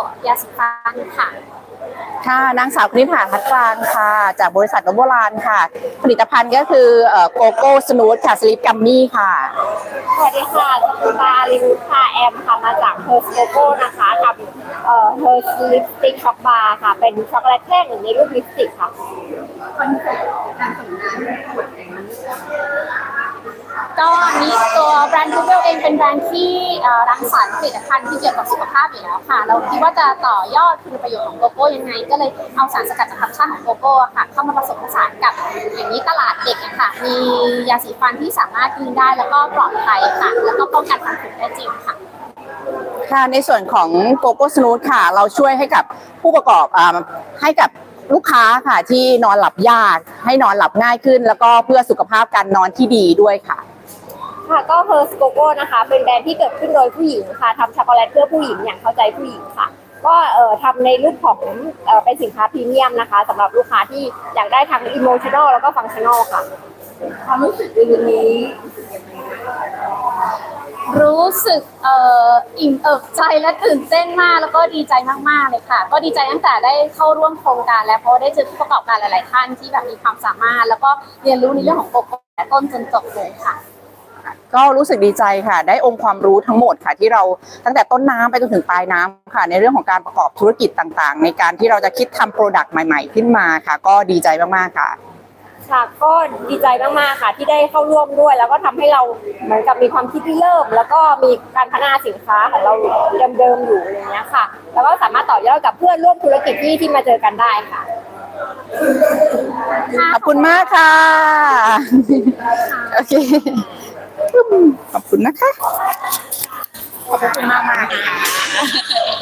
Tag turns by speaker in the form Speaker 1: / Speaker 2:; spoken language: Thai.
Speaker 1: ยาสีฟันค่ะ
Speaker 2: ค่ะนางสาวคณิษฐาทัดกลางค่ะจากบริษัทโบราณค่ะผลิตภัณฑ์ก็คือโกโก้สนูทค่ะสลิปกัมมี่ค่ะ
Speaker 1: สวัสดีค่ะคุณปาลินค่ะแอมค่ะมาจากเฮอร์สโกโก้นะคะทำเฮอร์สลิปสติกช็อกบาร์ค่ะเป็นช็อกโกแลตแท่งในรูปลิปสติกค่ะก็นี้ตัวแบรนด์ Google เองเป็นแบรนด์ที่รังสรรค์ผลิตภัณฑ์ที่เกี่ยวกับสุขภาพอยู่แล้วค่ะเราคิดว่าจะต่อยอดคุณประโยชน์ของโกโก้ยังไงก็เลยเอาสารสกัดจากธรรมชาติของโกโก้ค่ะเข้ามาผสมผสานกับอย่างนี้ตลาดเด็กค่ะมียาสีฟันที่สามารถกินได้แล้วก็ปลอดภัยค่ะแล้วก็ป้องกันฟันผุได้จริงค่ะ
Speaker 2: ค่ะในส่วนของโกโก้สนูทค่ะเราช่วยให้กับผู้ประกอบให้กับลูกค้าค่ะที่นอนหลับยากให้นอนหลับง่ายขึ้นแล้วก็เพื่อสุขภาพการนอนที่ดีด้วยค่ะ
Speaker 1: ค่ะก็เฮอร์สโกโก้นะคะเป็นแบรนด์ที่เกิดขึ้นโดยผู้หญิงค่ะทำช็อกโกแลตเพื่อผู้หญิงอย่างเข้าใจผู้หญิงค่ะก็ทำในรูปของเป็นสินค้าพรีเมียมนะคะสำหรับลูกค้าที่อยากได้ทั้งอิโมชัน a ลแล้วก็ฟังชั่น a ลค่ะความรู้สึกในวันนี้รู้สึกอิ่มเอิบใจและตื่นเต้นมากแล้วก็ดีใจมากๆเลยค่ะก็ดีใจตั้งแต่ได้เข้าร่วมโครงการแล้วเพราะได้เจอผู้ประกอบการหลายๆท่านที่แบบมีความสามารถแล้วก็เรียนรู้ในเรื่องของโกโก้แต่ต้นจนจบเลยค่ะ
Speaker 2: ก็รู้สึกดีใจค่ะได้องค์ความรู้ทั้งหมดค่ะที่เราตั้งแต่ต้นน้ำไปจนถึงปลายน้ำค่ะในเรื่องของการประกอบธุรกิจต่างๆในการที่เราจะคิดทำโปรดักต์ใหม่ๆขึ้นมาค่ะก็ดีใจมากๆค่ะ
Speaker 1: ค่ะก็ดีใจมากๆค่ะที่ได้เข้าร่วมด้วยแล้วก็ทำให้เราเหมือนกับมีความคิดที่เริ่มแล้วก็มีการพัฒนาสินค้าของเราเดิมๆอยู่อย่างเงี้ยค่ะแล้วก็สามารถต่อยอดกับเพื่อนร่วมธุรกิจที่มาเจอกันได้ค่ะ
Speaker 2: ขอบคุณมากค่ะโอเคขอบคุณนะคะ
Speaker 1: ขอบคุณมากๆ